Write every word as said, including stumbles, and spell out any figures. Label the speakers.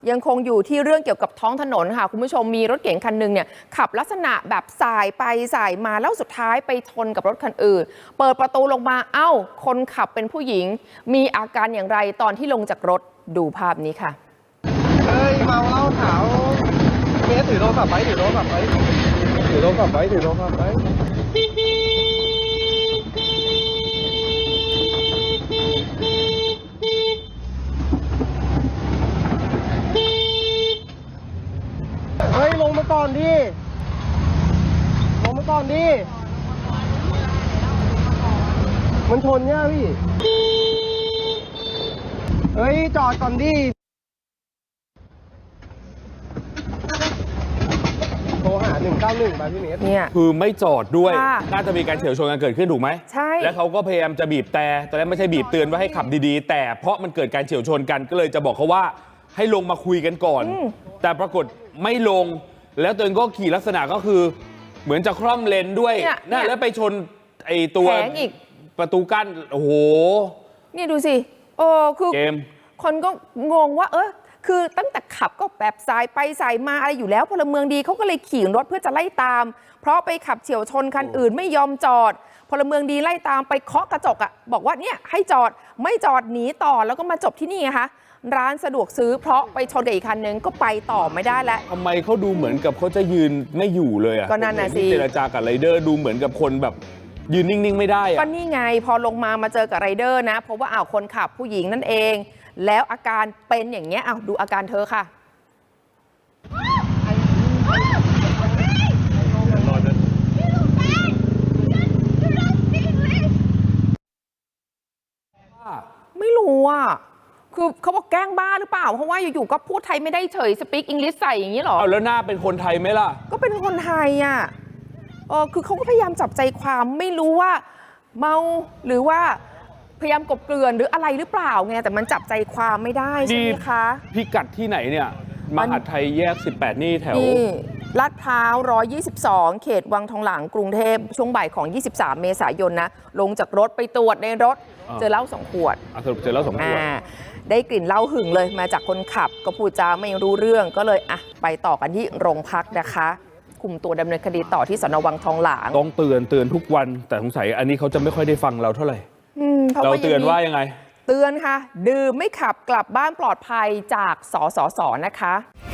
Speaker 1: ยังคงอยู่ที่เรื่องเกี่ยวกับท้องถนนค่ะคุณผู้ชมมีรถเก๋งคันหนึ่งเนี่ยขับลักษณะแบบสายไปสายมาแล้วสุดท้ายไปชนกับรถคันอื่นเปิดประตูลงมาเอ้าคนขับเป็นผู้หญิงมีอาการอย่างไรตอนที่ลงจากรถดูภาพนี้ค่ะ
Speaker 2: เฮ้ยเมาเหล้าขาวเมียถือโทรศัพท์ไว้ถือโทรศัพท์ไว้ถือโทรศัพท์ไว้ถือโทรศัพท์ไว้เฮ้ยลงมาก่อนดิลงมาก่อนดิมันชนเนี่ยพี่เฮ้ยจอดก่อนดิโทรหาหนึ่งเก้าหนึ่งมาพี่เนส
Speaker 1: เนี่ย
Speaker 3: คือไม่จอดด้วยน่าจะมีการเฉี่ยวชนกันเกิดขึ้นถูกไหม
Speaker 1: ใช่
Speaker 3: แล้วเขาก็พยายามจะบีบแต่ตอนนั้นไม่ใช่บีบเตือนว่าให้ขับดีๆแต่เพราะมันเกิดการเฉี่ยวชนกันก็เลยจะบอกเขาว่าให้ลงมาคุยกันก่อนแต่ปรากฏไม่ลงแล้วตัวเองก็ขี่ลักษณะก็คือเหมือนจะคล่อมเลนด้วยน่าแล้วไปชนไอ้ตัวประตูกั้นโอ้โห
Speaker 1: นี่ดูสิโอ้คือคนก็งงว่าเออคือตั้งแต่ขับก็แบบสายไปสายมาอะไรอยู่แล้วพลเมืองดีเขาก็เลยขี่รถเพื่อจะไล่ตามเพราะไปขับเฉี่ยวชนคันอื่นไม่ยอมจอดพลเมืองดีไล่ตามไปเคาะกระจกอ่ะบอกว่าเนี่ยให้จอดไม่จอดหนีต่อแล้วก็มาจบที่นี่ไงคะร้านสะดวกซื้อเพราะไปชนกับอีกคันนึงก็ไปต่อไม่ได้แล้ว
Speaker 3: ทำไมเขาดูเหมือนกับเขาจะยืนไม่อยู่เลยอ่ะ
Speaker 1: ก็นั่นน่ะสิ
Speaker 3: เจรจากับไรเดอร์ดูเหมือนกับคนแบบยืนนิ่งๆไม่ได้อ่ะ
Speaker 1: ก็นี่ไงพอลงมามาเจอกับไรเดอร์นะเพราะว่าอ้าวคนขับผู้หญิงนั่นเองแล้วอาการเป็นอย่างเงี้ยอ้าวดูอาการเธอค่ะไม่รู้อ่ะคือเขาบอกแกล้งบ้าหรือเปล่าเพราะว่าอยู่ๆก็พูดไทยไม่ได้เฉยสปีกอังกฤษใส่อย่างนี้หรอ
Speaker 3: เอาแล้วหน้าเป็นคนไทยไหมล่ะ
Speaker 1: ก็เป็นคนไทยอ่ะเออคือเขาก็พยายามจับใจความไม่รู้ว่าเมาหรือว่าพยายามกบเกลื่อนหรืออะไรหรือเปล่าไงแต่มันจับใจความไม่ได้ใช่ไหมคะ
Speaker 3: พิกัดที่ไหนเนี่ยมหาไทยแยกสิบแปดนี่แถว
Speaker 1: ลาดพร้าวหนึ่งร้อยยี่สิบสองเขตวังทองหลางกรุงเทพช่วงบ่ายของยี่สิบสามเมษายนนะลงจากรถไปตรวจในรถเจอเหล้าสองขวด
Speaker 3: สรุปเจอเหล้าสองขวด
Speaker 1: ได้กลิ่นเหล้าหึงเลยมาจากคนขับก็พูดจาไม่รู้เรื่องก็เลยอ่ะไปต่อกันที่โรงพักนะคะคุมตัวดำเนินคดีต่อที่สน.วังทองหลาง
Speaker 3: ต้องเตือนเตือนทุกวันแต่สงสัยอันนี้เขาจะไม่ค่อยได้ฟังเราเท่าไหร่เราเตือนว่ายังไง
Speaker 1: เตือนค่ะดื่มไม่ขับกลับบ้านปลอดภัยจากสสส.นะคะ